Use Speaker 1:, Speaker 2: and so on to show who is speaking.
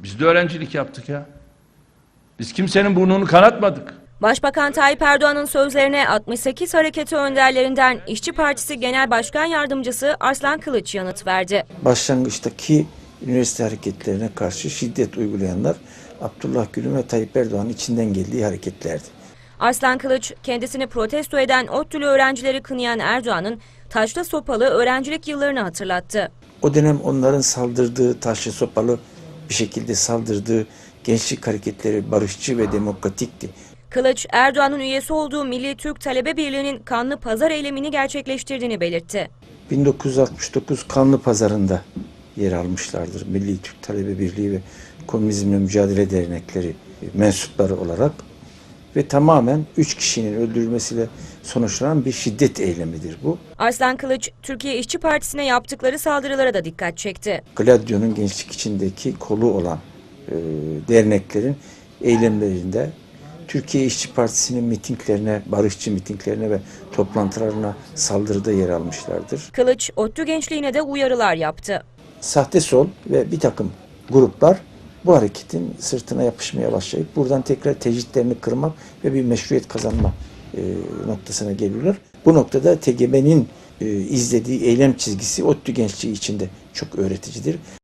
Speaker 1: Biz de öğrencilik yaptık ya. Biz kimsenin burnunu kanatmadık.
Speaker 2: Başbakan Tayyip Erdoğan'ın sözlerine 68 hareketi önderlerinden İşçi Partisi Genel Başkan Yardımcısı Arslan Kılıç yanıt verdi.
Speaker 3: Başlangıçtaki üniversite hareketlerine karşı şiddet uygulayanlar Abdullah Gül'ün ve Tayyip Erdoğan'ın içinden geldiği hareketlerdi.
Speaker 2: Arslan Kılıç kendisini protesto eden ODTÜ'lü öğrencileri kınayan Erdoğan'ın taşlı sopalı öğrencilik yıllarını hatırlattı.
Speaker 3: O dönem onların saldırdığı, taşlı sopalı bir şekilde saldırdığı gençlik hareketleri barışçı ve demokratikti.
Speaker 2: Kılıç, Erdoğan'ın üyesi olduğu Milli Türk Talebe Birliği'nin kanlı pazar eylemini gerçekleştirdiğini belirtti.
Speaker 3: 1969 Kanlı Pazarı'nda yer almışlardır. Milli Türk Talebe Birliği ve Komünizmle Mücadele Dernekleri mensupları olarak ve tamamen 3 kişinin öldürülmesiyle sonuçlanan bir şiddet eylemidir bu.
Speaker 2: Arslan Kılıç, Türkiye İşçi Partisi'ne yaptıkları saldırılara da dikkat çekti.
Speaker 3: Gladio'nun gençlik içindeki kolu olan derneklerin eylemlerinde Türkiye İşçi Partisi'nin mitinglerine, barışçı mitinglerine ve toplantılarına saldırıda yer almışlardır.
Speaker 2: Kılıç, ODTÜ gençliğine de uyarılar yaptı.
Speaker 3: Sahte sol ve bir takım gruplar bu hareketin sırtına yapışmaya başlayıp buradan tekrar tecritlerini kırmak ve bir meşruiyet kazanma noktasına geliyorlar. Bu noktada TGB'nin izlediği eylem çizgisi ODTÜ gençliği içinde çok öğreticidir.